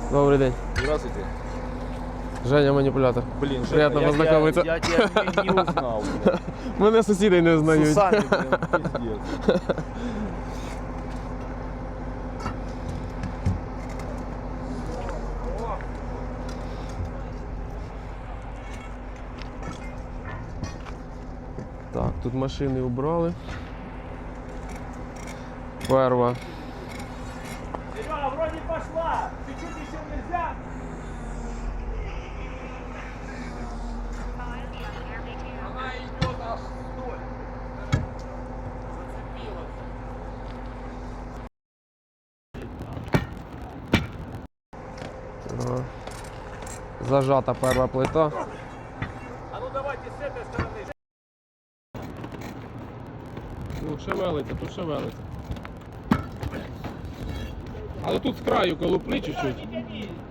Добрый день. Здравствуйте. Женя, манипулятор. Блин, Приятно Женя, познакомиться. я тебя не узнал. Мене сусіди не С знають. усами, блин, пиздец. Так, тут машини убрали. Перва. Серега, вроде пошла. Чуть-чуть еще нельзя. Она идет аж вдоль. Зацепилась. Ага. Зажата перва плита. А ну давайте с этой стороны. Ну, шевелиться, тут шевелиться. Але тут з краю колупни чуть-чуть. Не тяни.